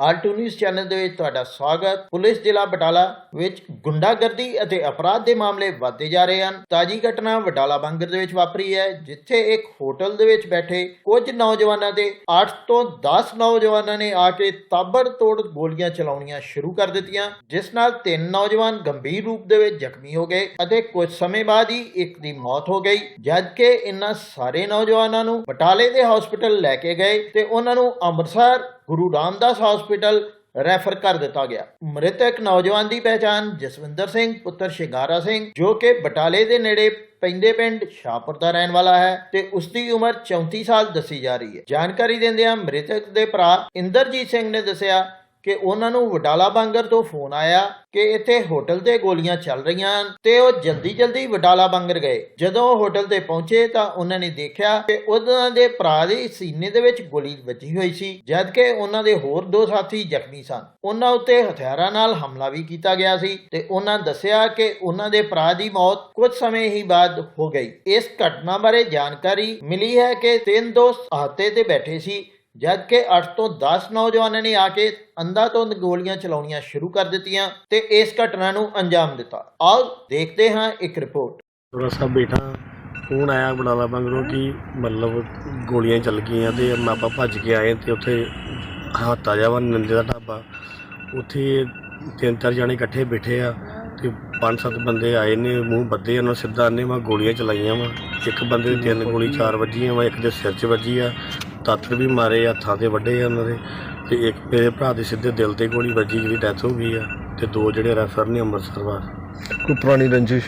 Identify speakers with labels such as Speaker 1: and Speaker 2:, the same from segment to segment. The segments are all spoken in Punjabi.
Speaker 1: ਆਲਟੂ ਨਿਊਜ਼ ਚੈਨਲ ਦੇ ਵਿੱਚ ਤੁਹਾਡਾ ਸਵਾਗਤ। ਪੁਲਿਸ ਜ਼ਿਲ੍ਹਾ ਬਟਾਲਾ ਵਿੱਚ ਗੁੰਡਾਗਰਦੀ ਅਤੇ ਅਪਰਾਧ ਦੇ ਮਾਮਲੇ ਵਧਦੇ ਜਾ ਰਹੇ ਹਨ। ਤਾਜੀ ਘਟਨਾ ਬਟਾਲਾ ਬੰਗਰ ਦੇ ਵਿੱਚ ਵਾਪਰੀ ਹੈ, ਜਿੱਥੇ ਇੱਕ ਹੋਟਲ ਦੇ ਵਿੱਚ ਬੈਠੇ ਕੁਝ ਨੌਜਵਾਨਾਂ ਦੇ 8 ਤੋਂ 10 ਨੌਜਵਾਨਾਂ ਨੇ ਆ ਕੇ ਤਾਬੜਤੋੜ ਗੋਲੀਆਂ ਚਲਾਉਣੀਆਂ ਸ਼ੁਰੂ ਕਰ ਦਿੱਤੀਆਂ, ਜਿਸ ਨਾਲ 3 ਨੌਜਵਾਨ ਗੰਭੀਰ ਰੂਪ ਦੇ ਵਿੱਚ ਜ਼ਖਮੀ ਹੋ ਗਏ ਅਤੇ ਕੁਝ ਸਮੇਂ ਬਾਅਦ ਹੀ ਇੱਕ ਦੀ ਮੌਤ ਹੋ ਗਈ। ਜਦਕਿ ਇਨ੍ਹਾਂ ਸਾਰੇ ਨੌਜਵਾਨਾਂ ਨੂੰ ਬਟਾਲੇ ਦੇ ਹਸਪਤਾਲ ਲੈ ਕੇ ਗਏ ਤੇ ਉਹਨਾਂ ਨੂੰ ਅੰਮ੍ਰਿਤਸਰ ਗੁਰੂ ਰਾਮਦਾਸ ਹਸਪਤਾਲ ਰੈਫਰ ਕਰ ਦਿੱਤਾ ਗਿਆ। ਮ੍ਰਿਤਕ ਨੌਜਵਾਨ ਦੀ ਪਹਿਚਾਣ ਜਸਵਿੰਦਰ ਸਿੰਘ ਪੁੱਤਰ ਸ਼ਿੰਗਾਰਾ ਸਿੰਘ, ਜੋ ਕਿ ਬਟਾਲੇ ਦੇ ਨੇੜੇ ਪੈਂਦੇ ਪਿੰਡ ਸ਼ਾਹਪੁਰ ਦਾ ਰਹਿਣ ਵਾਲਾ ਹੈ ਤੇ ਉਸ ਦੀ ਉਮਰ 34 ਸਾਲ ਦੱਸੀ ਜਾ ਰਹੀ ਹੈ। ਜਾਣਕਾਰੀ ਦਿੰਦਿਆਂ ਮ੍ਰਿਤਕ ਦੇ ਭਰਾ ਇੰਦਰਜੀਤ ਸਿੰਘ ਨੇ ਦੱਸਿਆ ਕਿ ਉਹਨਾਂ ਨੂੰ ਵਡਾਲਾ ਬਾਂਗਰ ਤੋਂ ਫੋਨ ਆਇਆ ਕਿ ਇੱਥੇ ਹੋਟਲ ਤੇ ਗੋਲੀਆਂ ਚੱਲ ਰਹੀਆਂ ਹਨ ਤੇ ਉਹ ਜਲਦੀ ਵਡਾਲਾ ਬਾਂਗਰ ਗਏ। ਜਦੋਂ ਉਹ ਹੋਟਲ ਤੇ ਪਹੁੰਚੇ ਤਾਂ ਉਹਨਾਂ ਨੇ ਦੇਖਿਆ ਕਿ ਉਹਨਾਂ ਦੇ ਭਰਾ ਦੇ ਸੀਨੇ ਦੇ ਵਿੱਚ ਗੋਲੀ ਵੱਜੀ ਹੋਈ ਸੀ, ਜਦਕਿ ਉਹਨਾਂ ਦੇ ਹੋਰ 2 ਸਾਥੀ ਜ਼ਖਮੀ ਸਨ। ਉਹਨਾਂ ਉੱਤੇ ਹਥਿਆਰਾਂ ਨਾਲ ਹਮਲਾ ਵੀ ਕੀਤਾ ਗਿਆ ਸੀ ਤੇ ਉਹਨਾਂ ਦੱਸਿਆ ਕਿ ਉਹਨਾਂ ਦੇ ਭਰਾ ਦੀ ਮੌਤ ਕੁਝ ਸਮੇਂ ਹੀ ਬਾਅਦ ਹੋ ਗਈ। ਇਸ ਘਟਨਾ ਬਾਰੇ ਜਾਣਕਾਰੀ ਮਿਲੀ ਹੈ ਕਿ 3 ਦੋਸਤ ਅਹਾਤੇ ਤੇ ਬੈਠੇ ਸੀ, ਜਦਕਿ 8 ਤੋਂ 10 ਨੌਜਵਾਨਾਂ ਨੇ ਆ ਕੇ ਅੰਧਾਧੁੰਦ ਗੋਲੀਆਂ ਚਲਾਉਣੀਆਂ ਸ਼ੁਰੂ ਕਰ ਦਿੱਤੀਆਂ ਤੇ ਇਸ ਘਟਨਾ ਨੂੰ ਅੰਜਾਮ ਦਿੱਤਾ। ਆਓ ਦੇਖਦੇ ਹਾਂ ਇੱਕ ਰਿਪੋਰਟ।
Speaker 2: ਥੋੜਾ ਸਾ ਬੈਠਾ ਫੋਨ ਆਇਆ ਬਟਾਲਾ ਬੰਗਰੋਂ ਕਿ ਮਤਲਬ ਗੋਲੀਆਂ ਚੱਲ ਗਈਆਂ ਤੇ ਆਪਾਂ ਭੱਜ ਕੇ ਆਏ ਤੇ ਉੱਥੇ ਹਾਤਾ ਜਾ ਵਾ ਨੰਦੇ ਦਾ ਢਾਬਾ, ਉੱਥੇ 3-4 ਜਣੇ ਇਕੱਠੇ ਬੈਠੇ ਆ ਤੇ 5-7 ਬੰਦੇ ਆਏ ਨੇ, ਮੂੰਹ ਬੱਧੇ ਉਹਨਾਂ ਸਿੱਧਾ ਨੇ ਵਾ ਗੋਲੀਆਂ ਚਲਾਈਆਂ ਵਾ। ਇੱਕ ਬੰਦੇ ਦੀ 3 ਗੋਲੀ 4 ਵੱਜੀਆਂ ਵਾ, ਇੱਕ ਦੇ ਸਿਰ 'ਚ ਵੱਜੀ ਆ, ਦਾਤਰ ਵੀ ਮਾਰੇ, ਹੱਥਾਂ 'ਤੇ ਵੱਢੇ ਆ ਉਹਨਾਂ ਦੇ, ਤੇ ਇੱਕ ਮੇਰੇ ਭਰਾ ਦੇ ਸਿੱਧੇ ਦਿਲ 'ਤੇ ਗੋਲੀ ਵੱਜੀ ਜਿਹਦੀ ਡੈਥ ਹੋ ਗਈ ਆ, ਤੇ 2 ਜਿਹੜੇ ਰੈਫਰ ਨੇ ਅੰਮ੍ਰਿਤਸਰ ਵਾਰ।
Speaker 3: ਕੋਈ ਪੁਰਾਣੀ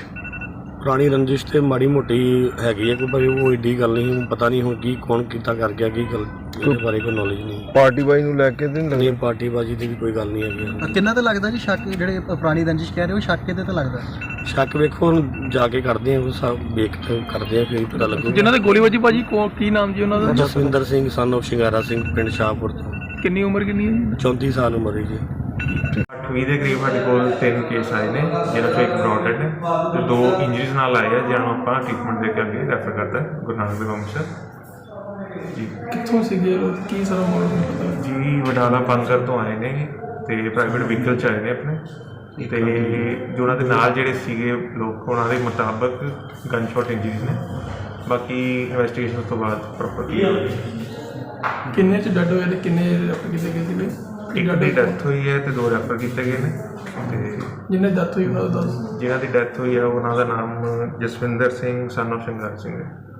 Speaker 3: ਰੰਜਿਸ਼ ਤੇ ਮਾੜੀ ਮੋਟੀ ਹੈਗੀ ਆ ਕੋਈ, ਪਰ ਉਹ ਏਡੀ ਗੱਲ ਨਹੀਂ, ਹੁਣ ਪਤਾ ਨਹੀਂ ਹੁਣ ਕੀ ਕੌਣ ਕੀਤਾ ਕਰ ਗਿਆ, ਕੀ ਗੱਲ ਇਹਦੇ ਬਾਰੇ ਕੋਈ ਨੌਲੇਜ ਨਹੀਂ।
Speaker 2: ਪਾਰਟੀਬਾਜ਼ੀ ਨੂੰ ਲੈ ਕੇ
Speaker 3: ਨਹੀਂ, ਪਾਰਟੀਬਾਜ਼ੀ ਦੀ ਵੀ ਕੋਈ ਗੱਲ ਨਹੀਂ ਹੈਗੀ।
Speaker 4: ਕਿੰਨਾ ਤਾਂ ਲੱਗਦਾ ਜੀ ਸ਼ੱਕ, ਜਿਹੜੇ ਪੁਰਾਣੀ ਰੰਜਿਸ਼ ਕਹਿ ਰਹੇ ਹੋ ਸ਼ੱਕ ਕਿਤੇ ਤਾਂ ਲੱਗਦਾ?
Speaker 3: ਸ਼ੱਕ ਵੇਖੋ ਹੁਣ ਜਾ ਕੇ ਕਰਦੇ ਆ, ਉਹ ਸਭ ਵੇਖ ਕਰਦੇ ਆ ਫਿਰ ਪਤਾ ਲੱਗੂ।
Speaker 5: ਜਿਨ੍ਹਾਂ ਦੇ ਗੋਲੀ ਵੱਜੀ ਭਾਜੀ ਕੀ ਨਾਮ ਜੀ ਉਹਨਾਂ ਦਾ?
Speaker 3: ਜਸਵਿੰਦਰ ਸਿੰਘ son of ਸ਼ਿੰਗਾਰਾ ਸਿੰਘ, ਪਿੰਡ ਸ਼ਾਹਪੁਰ ਤੋਂ।
Speaker 5: ਕਿੰਨੀ ਉਮਰ ਕਿੰਨੀ ਹੈ ਜੀ?
Speaker 3: 34 ਸਾਲ ਉਮਰ ਹੈ ਜੀ।
Speaker 6: 8ਵੀਂ ਦੇ ਕਰੀਬ ਸਾਡੇ ਕੋਲ 3 ਕੇਸ ਆਏ ਨੇ, ਜਿਹਨਾਂ 'ਚੋਂ ਇੱਕ ਬ੍ਰੌਡਡ ਹੈ ਤੇ 2 ਇੰਜਰੀਜ਼ ਨਾਲ ਆਏ ਆ, ਜਿਹਨਾਂ ਨੂੰ ਆਪਾਂ ਟ੍ਰੀਟਮੈਂਟ ਦੇ ਕੇ ਅੱਗੇ ਰੈਫਰ ਕਰਤਾ ਗੁਰੂ ਨਾਨਕ ਦੇਵ ਅੰਮ੍ਰਿਤਸਰ ਜੀ।
Speaker 5: ਕਿੱਥੋਂ ਸੀਗੇ ਲੋਕ, ਕੀ ਸਾਰਾ ਮਾਮਲਾ
Speaker 6: ਜੀ? ਵਡਾਲਾ ਬੰਗਰ ਤੋਂ ਆਏ ਨੇ ਤੇ ਪ੍ਰਾਈਵੇਟ ਵਹੀਕਲ 'ਚ ਆਏ ਨੇ ਆਪਣੇ, ਤੇ ਜੋ ਉਹਨਾਂ ਦੇ ਨਾਲ ਜਿਹੜੇ ਸੀਗੇ ਲੋਕ, ਉਹਨਾਂ ਦੇ ਮੁਤਾਬਕ ਗਨ ਸ਼ਾਟ ਇੰਜਰੀਜ਼ ਨੇ। ਬਾਕੀ ਇਨਵੈਸਟੀਗੇਸ਼ਨ ਤੋਂ ਬਾਅਦ ਪ੍ਰੋਪਰ ਕੀ ਹੋਵੇਗੀ।
Speaker 5: ਕਿੰਨੇ ਚ ਡੈਡ ਹੋਏ ਤੇ ਕਿੰਨੇ ਰੈਫਰ ਕੀਤੇ ਗਏ ਸੀਗੇ?
Speaker 6: ਇੱਕ ਦੀ ਡੈਥ ਹੋਈ ਹੈ ਤੇ 2 ਰੈਫਰ ਕੀਤੇ ਗਏ ਨੇ, ਤੇ
Speaker 5: ਜਿਹਨੇ ਡੈਥ ਹੋਈ ਉਹਨਾਂ ਦਾ ਦੱਸ।
Speaker 6: ਜਿਨ੍ਹਾਂ ਦੀ ਡੈਥ ਹੋਈ ਹੈ ਉਹਨਾਂ ਦਾ ਨਾਮ ਜਸਵਿੰਦਰ ਸਿੰਘ son of ਸ਼ਿੰਗਾਰਾ ਸਿੰਘ ਹੈ।